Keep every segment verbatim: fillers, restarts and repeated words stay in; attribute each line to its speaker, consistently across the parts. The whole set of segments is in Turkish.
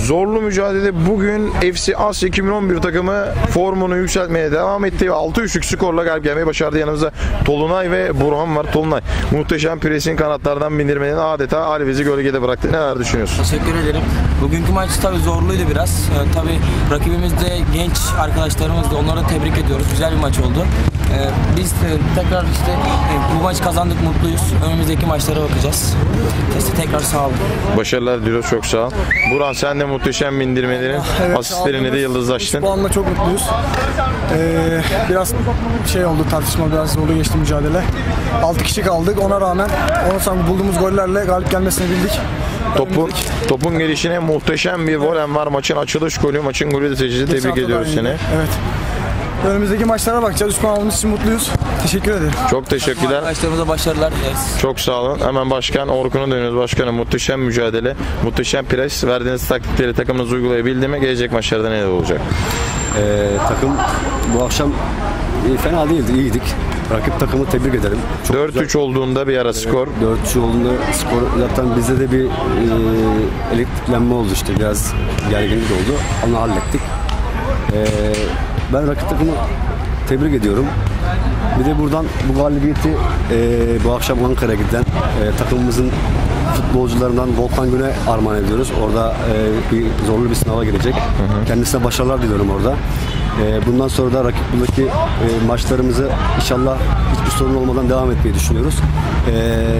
Speaker 1: Zorlu mücadele bugün F C Asya iki bin on bir takımı formunu yükseltmeye devam etti ve altı üçlük skorla galip gelmeyi başardı. Yanımızda Tolunay ve Burhan var. Tolunay, muhteşem presin kanatlardan bindirmenin adeta Alviz'i gölgede bıraktı. Neler düşünüyorsun?
Speaker 2: Teşekkür ederim. Bugünkü maç tabii zorluydu biraz. Ee, tabii rakibimiz de genç arkadaşlarımız da, onları da tebrik ediyoruz. Güzel bir maç oldu. Ee, biz de tekrar işte e, bu maç kazandık, mutluyuz. Önümüzdeki maçlara bakacağız. Size tekrar sağ olun.
Speaker 1: Başarılar diliyoruz, çok sağ ol. Burhan, sen de muhteşem bindirmelerin
Speaker 3: evet,
Speaker 1: asistlerini de yıldızlaştın.
Speaker 3: Bu puanla çok mutluyuz. Ee, biraz şey oldu, tartışma, biraz zorlu geçti mücadele. altı kişi kaldık, ona rağmen onu sonra bulduğumuz gollerle galip gelmesini bildik.
Speaker 1: Topun, topun gelişine muhteşem bir volen var. Maçın açılış golü, maçın golü de seçici. Tebrik ediyoruz seni.
Speaker 3: Evet. Önümüzdeki maçlara bakacağız. üç puan aldığımız için mutluyuz. Teşekkür ederim.
Speaker 1: Çok teşekkürler.
Speaker 2: Arkadaşlarımıza başarılar dileriz.
Speaker 1: Çok sağ olun. Hemen Başkan Orkun'a dönüyoruz. Başkanım, muhteşem mücadele, muhteşem pres. Verdiğiniz taktikleri takımınız uygulayabildi mi? Gelecek maçlarda neler olacak?
Speaker 4: Ee, takım bu akşam e, fena değildi, iyiydik. Rakip takımı tebrik ederim.
Speaker 1: dört üç olduğunda bir ara skor.
Speaker 4: dört üç olduğunda skor zaten bizde de bir e, elektriklenme oldu işte. Biraz gerginlik oldu. Onu hallettik. E, ben rakip takımı tebrik ediyorum. Bir de buradan bu galibiyeti e, bu akşam Ankara'ya giden e, takımımızın futbolcularından Volkan Gün'e armağan ediyoruz. Orada e, bir zorlu bir sınava girecek. Hı hı. Kendisine başarılar diliyorum orada. E, bundan sonra da rakip buradaki e, maçlarımızı inşallah hiçbir sorun olmadan devam etmeyi düşünüyoruz. E,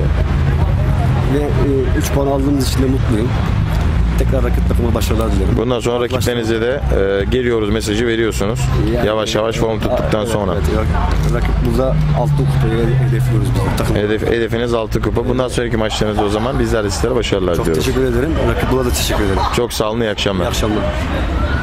Speaker 4: ve e, üç puan aldığımız için de mutluyum. Tekrar rakip takıma başarılar dilerim.
Speaker 1: Bundan sonra rakiplerinize de e, geliyoruz mesajı veriyorsunuz. Yani, yavaş yavaş form tuttuktan
Speaker 4: evet,
Speaker 1: sonra.
Speaker 4: Evet, rakip burada altın kupayı hedefliyoruz biz.
Speaker 1: Hedef, hedefiniz altı kupa. Bundan sonraki maçlarınızda o zaman bizler de sizlere başarılar
Speaker 4: Çok
Speaker 1: diliyoruz.
Speaker 4: teşekkür ederim. Rakip Bula da teşekkür ederim.
Speaker 1: Çok sağ olun, iyi akşamlar.
Speaker 4: İyi akşamlar.